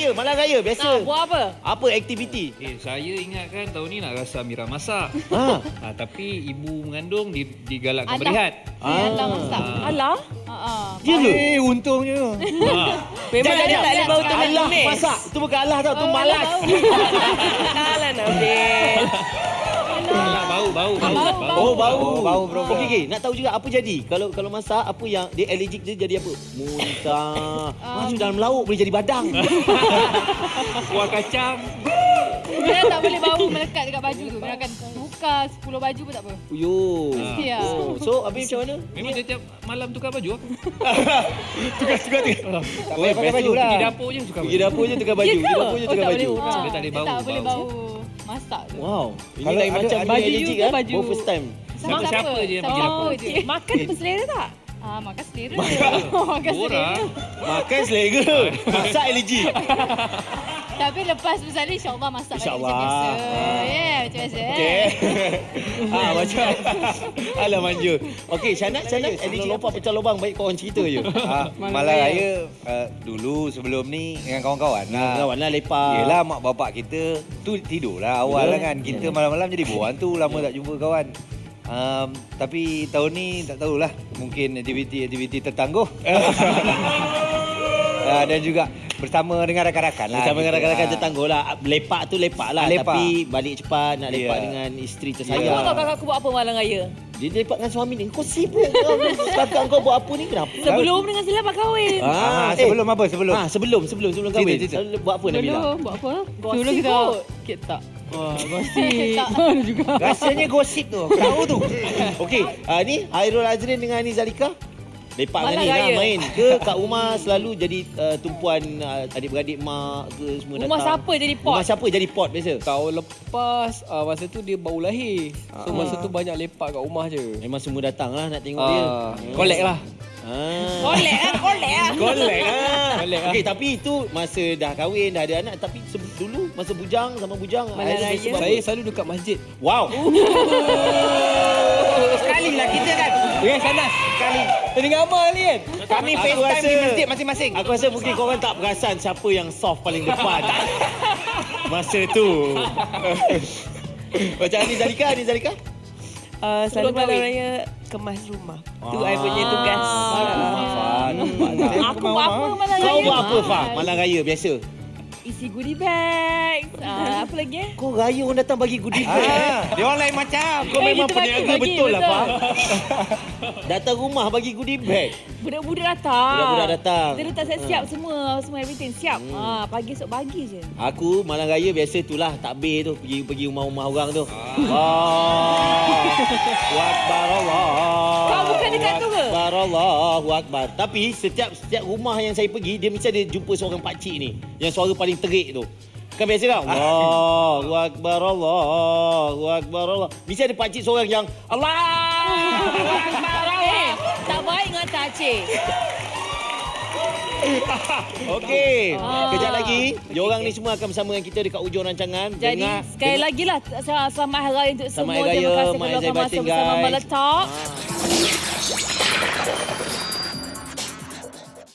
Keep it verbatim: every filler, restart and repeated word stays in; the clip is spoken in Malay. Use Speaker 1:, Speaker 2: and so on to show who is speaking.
Speaker 1: malam raya biasa.
Speaker 2: Ah, buat apa?
Speaker 1: Apa aktiviti?
Speaker 3: Eh, saya ingatkan tahun ni nak rasa Amira masak.
Speaker 1: Ha.
Speaker 3: Ha, tapi ibu mengandung di, digalakkan
Speaker 2: Alah.
Speaker 3: berehat.
Speaker 2: Ah. Alah masak.
Speaker 4: Alah.
Speaker 2: Ha ah.
Speaker 1: Ya ke?
Speaker 5: Eh, untungnya.
Speaker 3: Ha.
Speaker 4: Memang
Speaker 1: Jap,
Speaker 4: ada
Speaker 1: jap,
Speaker 4: tak boleh
Speaker 1: jap.
Speaker 4: bau tumis.
Speaker 1: Allah masak. Itu bukan Allah tau, tu
Speaker 2: Oh,
Speaker 1: malas.
Speaker 4: Alah Nabil.
Speaker 3: Alah, bau, bau, bau.
Speaker 2: Bau,
Speaker 3: bau.
Speaker 1: Oh, bau.
Speaker 5: Oh, bau, bro.
Speaker 1: Okey, okey. Nak tahu juga apa jadi? Kalau kalau masak, apa yang dia allergic dia jadi apa? Muntah. Masuk dalam lauk boleh jadi badang.
Speaker 3: Kuah kacang.
Speaker 2: Dia tak boleh bau melekat dekat baju tu. Dia akan tukar sepuluh baju pun tak apa.
Speaker 1: Yo.
Speaker 2: Ya.
Speaker 1: Oh, so habis macam mana?
Speaker 3: Memang setiap malam tukar baju aku.
Speaker 1: Tukar-tukar tu.
Speaker 5: Tak payah pakai baju lah.
Speaker 3: Pergi dapur je tukar
Speaker 1: Pergi
Speaker 3: baju.
Speaker 1: dapur je tukar baju.
Speaker 4: Ya
Speaker 1: Pergi
Speaker 4: ke?
Speaker 1: dapur je
Speaker 4: Oh,
Speaker 1: tukar
Speaker 4: tak
Speaker 1: baju.
Speaker 4: boleh.
Speaker 2: Ah,
Speaker 3: Dia tak boleh bau,
Speaker 2: tak boleh
Speaker 3: bau.
Speaker 2: bau masak tu.
Speaker 1: Wow. Ini
Speaker 5: Kalau
Speaker 1: lain
Speaker 5: ada-
Speaker 1: macam
Speaker 5: ada-
Speaker 1: dia
Speaker 4: baju
Speaker 1: allergic
Speaker 4: you ke
Speaker 1: ah.
Speaker 4: baju?
Speaker 1: Oh, first time.
Speaker 2: Sama
Speaker 3: Siapa-siapa je yang pergi
Speaker 2: Sama
Speaker 3: dapur.
Speaker 2: je.
Speaker 4: Makan berselera tak?
Speaker 2: Ah, makan selera. Makan selera.
Speaker 3: Orang.
Speaker 1: Makan selera. Masak allergic.
Speaker 2: Tapi lepas besar ni insya-Allah masak balik
Speaker 1: InsyaAllah.
Speaker 2: macam biasa. Ya, yeah, macam biasa.
Speaker 1: Okey. ah macam alah manja. Okey, Syanat, Syanat allergic lompat pecah lubang baik kau orang cerita je.
Speaker 5: Ha, malam raya uh, dulu sebelum ni dengan kawan-kawan lah.
Speaker 1: Kawan lah lepak.
Speaker 5: Yelah mak bapak kita tu tidurlah awal
Speaker 1: Betul.
Speaker 5: lah kan. Kita malam-malam jadi buan tu lama tak jumpa kawan. Um, tapi tahun ni tak tahulah, mungkin aktiviti-aktiviti tertangguh. uh, dan juga bersama dengan rakan-rakan lah.
Speaker 1: Bersama dengan
Speaker 5: kita.
Speaker 1: rakan-rakan
Speaker 5: Ah.
Speaker 1: tertangguh lah. Lepak tu lepak lah.
Speaker 5: Lepak.
Speaker 1: Tapi balik cepat nak lepak
Speaker 5: Ya.
Speaker 1: dengan isteri
Speaker 4: Kau
Speaker 1: tersayang.
Speaker 4: tahu kakak aku buat apa malam raya?
Speaker 1: Dia lepak dengan suami ni. Kau sibuk kau. Kakak kau buat apa ni? Kenapa?
Speaker 4: Sebelum dengan selamat kahwin.
Speaker 5: Ah, sebelum apa? Sebelum.
Speaker 1: Ah, sebelum sebelum sebelum
Speaker 5: Cerita,
Speaker 1: kahwin.
Speaker 5: cerita.
Speaker 1: Selalu buat apa Nabila?
Speaker 4: Dulu buat apa?
Speaker 2: Gosip
Speaker 4: Dulu kita
Speaker 2: kot.
Speaker 4: kita tak. Wah, gosip.
Speaker 2: Tak.
Speaker 4: Ada juga.
Speaker 5: Rasanya gosip tu. Aku tahu tu.
Speaker 1: Okey, ah, ni Hairul Azrin dengan Ani Zalika. Lepak dengan
Speaker 4: Malam
Speaker 1: ni lah
Speaker 4: raya.
Speaker 1: main ke kat rumah selalu jadi uh, tumpuan uh, adik-beradik mak ke semua datang.
Speaker 4: Rumah siapa jadi pot?
Speaker 1: Rumah siapa jadi pot biasa?
Speaker 6: Tahun lepas uh, masa tu dia baru lahir. So
Speaker 1: Ah.
Speaker 6: masa tu banyak lepak kat rumah je.
Speaker 1: Memang semua datang lah nak tengok dia.
Speaker 6: Ah, collect lah.
Speaker 1: Ah.
Speaker 4: Kolek ah, kolek ah.
Speaker 1: Kolek lah.
Speaker 6: Kolek lah.
Speaker 1: Okey, tapi itu masa dah kahwin, dah ada anak. Tapi se- dulu masa bujang sama bujang.
Speaker 4: Malam
Speaker 1: Hairul
Speaker 4: raya.
Speaker 1: biasa buat
Speaker 6: Saya
Speaker 1: apa?
Speaker 6: selalu dekat masjid.
Speaker 1: Wow.
Speaker 5: Sekali lah kita kan.
Speaker 6: Ya, sana.
Speaker 5: Sekali.
Speaker 6: Tadi ngamal ni kan?
Speaker 5: Kami
Speaker 1: Aku
Speaker 5: FaceTime
Speaker 1: rasa-
Speaker 5: di masjid masing-masing.
Speaker 1: Aku rasa mungkin korang tak perasan siapa yang soft paling depan. Masa tu. Macam Ani Zalika, Ani Zalika?
Speaker 4: Uh, selalu
Speaker 2: Sebelum
Speaker 4: malam
Speaker 2: kahwin.
Speaker 4: raya kemas rumah. Tu I punya tugas.
Speaker 1: Rumah, Fah. Nampak tak?
Speaker 4: Aku buat apa malam raya?
Speaker 1: Kau buat apa, Fah? Malam raya biasa.
Speaker 4: Isi goodie bag. Uh, apa lagi eh?
Speaker 1: Kau raya orang datang bagi goodie bag.
Speaker 5: Ah, dia orang lain macam.
Speaker 1: Kau
Speaker 4: Eh,
Speaker 1: memang
Speaker 4: kita bagi,
Speaker 1: peniaga
Speaker 4: bagi,
Speaker 1: betul lah,
Speaker 4: betul.
Speaker 1: Fah. Datang rumah bagi goodie bag.
Speaker 4: Budak-budak datang.
Speaker 1: Budak-budak datang.
Speaker 4: Dia letak siap-siap semua, semua everything siap.
Speaker 1: Hmm.
Speaker 4: Ha, pagi esok pagi je.
Speaker 1: Aku malam raya biasa itulah takbir tu pergi pergi rumah-rumah orang tu. Allahu akbar Allah.
Speaker 4: Kau bukan dekat tu ke?
Speaker 1: Akbar Allahu akbar. Tapi setiap setiap rumah yang saya pergi dia mesti ada jumpa seorang pak cik ni yang suara paling terik tu. Kan biasa tak? Allahu akbar Allahu akbar Allah. Mesti ada pak cik seorang yang Allahu akbar Allah.
Speaker 4: Eh, tak baik dengan tak cik.
Speaker 1: Okey,
Speaker 4: Ah.
Speaker 1: kejap lagi diorang ni semua akan bersama dengan kita dekat ujung rancangan.
Speaker 4: Jadi
Speaker 1: Dengar-
Speaker 4: sekali lagi lah sel- selamat hari raya untuk
Speaker 1: Selamat
Speaker 4: semua.
Speaker 1: Hari
Speaker 4: Terima
Speaker 1: Raya,
Speaker 4: kasih
Speaker 1: Mak
Speaker 4: kerana
Speaker 1: Zaibatin,
Speaker 4: masa bersama
Speaker 1: guys.
Speaker 4: Meletak.
Speaker 1: Ah.